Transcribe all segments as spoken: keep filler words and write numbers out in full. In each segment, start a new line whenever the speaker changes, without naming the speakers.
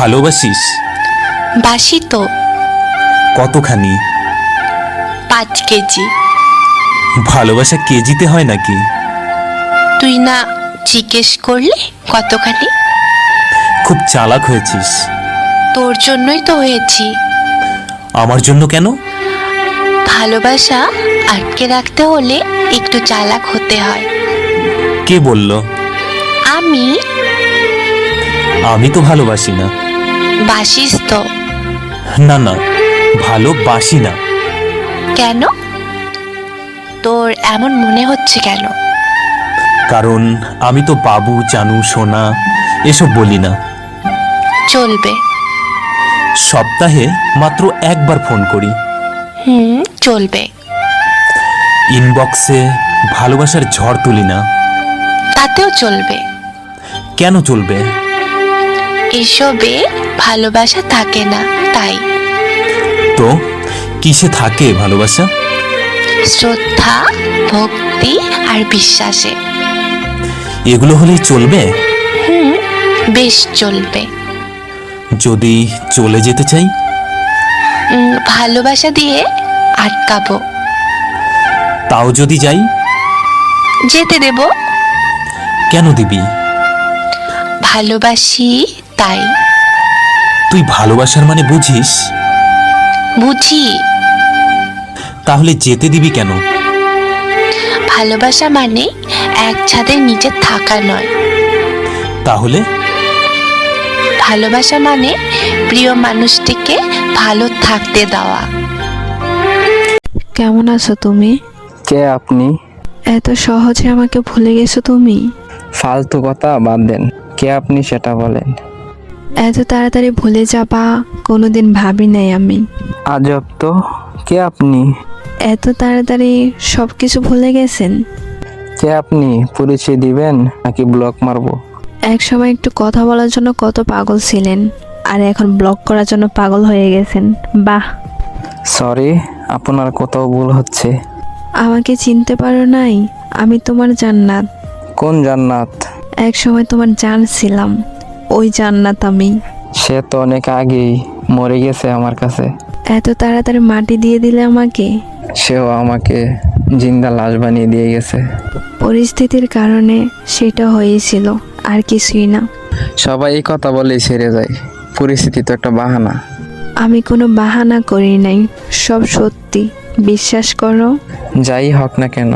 ভালোবাসিস?
বাসি তো।
কতখানি?
পাঁচ কেজি।
ভালোবাসা কেজিতে হয় নাকি?
তুই না জিজ্ঞেস করলে কতখানি?
খুব চালাক হয়েছিস।
তোর জন্যই তো হয়েছি।
আমার জন্য কেন?
ভালোবাসা আটকে রাখতে হলে একটু চালাক হতে হয়।
কে বলল?
আমি।
আমি তো ভালোবাসি না।
বাসিস তো।
না না, ভালোবাসি না।
কেন? তোর এমন মনে হচ্ছে কেন?
কারণ আমি তো বাবু, জানু, সোনা এসব বলি না।
চলবে।
সপ্তাহে মাত্র একবার ফোন করি।
হুম, চলবে।
ইনবক্সে ভালোবাসার ঝড় তুলি না।
তাতেও চলবে।
কেন চলবে?
এসবে ভালোবাসা থাকে না, তাই।
তো কিসে থাকে ভালোবাসা?
শ্রদ্ধা, ভক্তি আর বিশ্বাসে।
এগুলো হলেই চলবে?
হুম, বেশ চলবে।
যদি চলে যেতে চাই?
উম, ভালোবাসা দিয়ে আটকাবো।
তাও যদি যাই?
যেতে দেব।
কেন দিবি?
ভালোবাসি তাই।
তুই ভালোবাসার মানে বুঝিস?
বুঝি।
তাহলে যেতে দিবি কেন?
ভালোবাসা মানে এক ছাদের নিচে থাকা নয়।
তাহলে?
ভালোবাসা মানে প্রিয় মানুষটিকে ভালো থাকতে দেওয়া।
কেমন আছো তুমি?
কে আপনি?
এত সহজে আমাকে ভুলে গেছো তুমি?
ফালতু কথা বাদ দেন, কে আপনি সেটা বলেন।
এত তাড়াতাড়ি ভুলে যাবা কোনোদিন ভাবি নাই আমি।
আজব তো, কে আপনি?
এত তাড়াতাড়ি সব কিছু ভুলে গেছেন?
কে আপনি পরিচয় দিবেন নাকি ব্লক মারবো?
এক সময় একটু কথা বলার জন্য কত পাগল ছিলেন, আর এখন ব্লক করার জন্য পাগল হয়ে গেছেন। বাহ।
সরি, আপনার কোথাও ভুল হচ্ছে।
আমাকে চিনতে পারো নাই? আমি তোমার জান্নাত।
কোন জান্নাত?
এক সময় তোমার জান ছিলাম, ওই জান্নাত আমি।
সে তো অনেক আগেই মরে গেছে আমার কাছে।
এত তাড়াতাড়ি মাটি দিয়ে দিলে আমাকে?
সেও আমাকে জিন্দা লাশ বানিয়ে দিয়ে গেছে।
পরিস্থিতির কারণে সেটা হয়েছিল, আর কিছুই না।
সবাই এই কথা বলেই ছেড়ে যায়, পরিস্থিতি তো একটা বাহানা।
আমি কোনো বাহানা করি নাই, সব সত্যি, বিশ্বাস করো।
যাই হোক না কেন,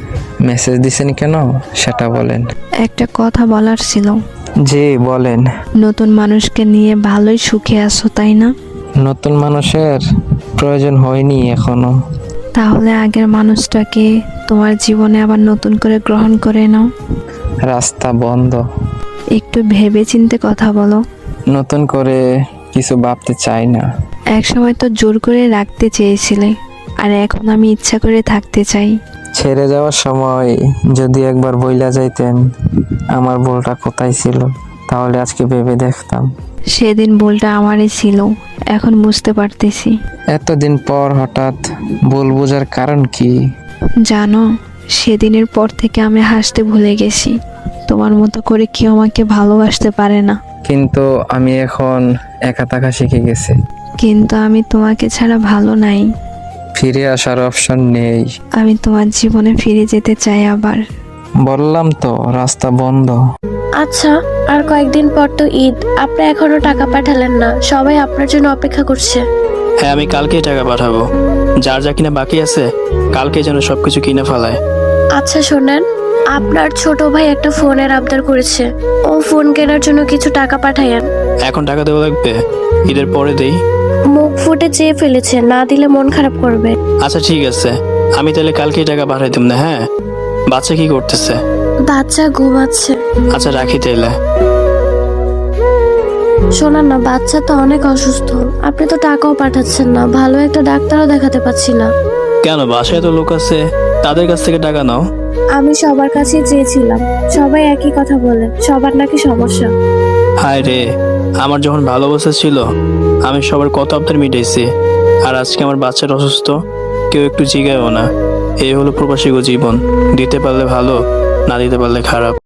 মেসেজ দিছেন কেন সেটা বলেন।
একটা কথা বলার ছিল।
জি বলেন।
নতুন মানুষকে নিয়ে ভালোই সুখে আছো, তাই না?
নতুন মানুষের প্রয়োজন হয়নি এখনো।
তাহলে আগের মানুষটাকে তোমার জীবনে আবার নতুন করে গ্রহণ করে নাও।
রাস্তা বন্ধ।
একটু ভেবে চিন্তে কথা বলো।
নতুন করে কিছু ভাবতে চাই না।
এক সময় তো জোর করে রাখতে চেয়েছিলে, আর এখন আমি ইচ্ছা করে থাকতে চাই।
ছেড়ে যাওয়ার সময় যদি একবার বইলা যাইতেন আমার ভুলটা কোথায় ছিল, তাহলে আজকে ভেবে দেখতাম।
সেদিন ভুলটা আমারই ছিল, এখন বুঝতে পারতেছি।
এতদিন পর হঠাৎ ভুল বোঝার কারণ কি?
জানো, সেদিনের পর থেকে আমি হাসতে ভুলে গেছি। তোমার মতো করে কেউ আমাকে ভালোবাসতে পারে না।
কিন্তু আমি এখন একা থাকা শিখে গেছি।
কিন্তু আমি তোমাকে ছাড়া ভালো নাই।
ফিরে আসার অপশন নেই।
আমি তোমার জীবনে ফিরে যেতে চাই আবার।
বললাম তো রাস্তা বন্ধ।
আচ্ছা, আর কয়েকদিন পর তো ঈদ, আপনি এখনো টাকা পাঠালেন না। সবাই আপনার জন্য অপেক্ষা করছে।
হ্যাঁ, আমি কালকেই টাকা পাঠাবো। যার যা কিনা বাকি আছে কালকে যেন সবকিছু কিনে ফেলায়।
আচ্ছা শোনেন, আপনার ছোট ভাই একটা ফোনের আবদার করেছে, ও ফোন কেনার জন্য কিছু টাকা পাঠায়েন।
এখন টাকা দেওয়া লাগবে? ঈদের পরে দেই।
মুখ ফুটে চেয়ে ফেলেছে, না দিলে মন খারাপ করবে।
আচ্ছা ঠিক আছে, আমি তাহলে কালকেই টাকা পাঠাই দিব না। হ্যাঁ, বাচ্চা কি করতেছে?
বাচ্চা ঘুমাচ্ছে।
আচ্ছা রাখি তাইলে।
শোনান না, বাচ্চা তো অনেক অসুস্থ, আপনি তো টাকাও পাঠাচ্ছেন না, ভালো একটা ডাক্তারও দেখাতে পাচ্ছি না।
কেন, বাসায় তো লোক আছে, তাদের কাছ থেকে টাকা নাও।
আমি সবার কাছেই চেয়েছিলাম, সবাই একই কথা বলে, সবার নাকি সমস্যা।
হায় রে, আমার যখন ভালো অবস্থা ছিল আমি সবার কত আবদার মিটাইছি, আর আজকে আমার বাচ্চাটা অসুস্থ, কেউ একটু জিগায়ও না। এই হলো প্রবাসী জীবন, দিতে পারলে ভালো, না দিতে পারলে খারাপ।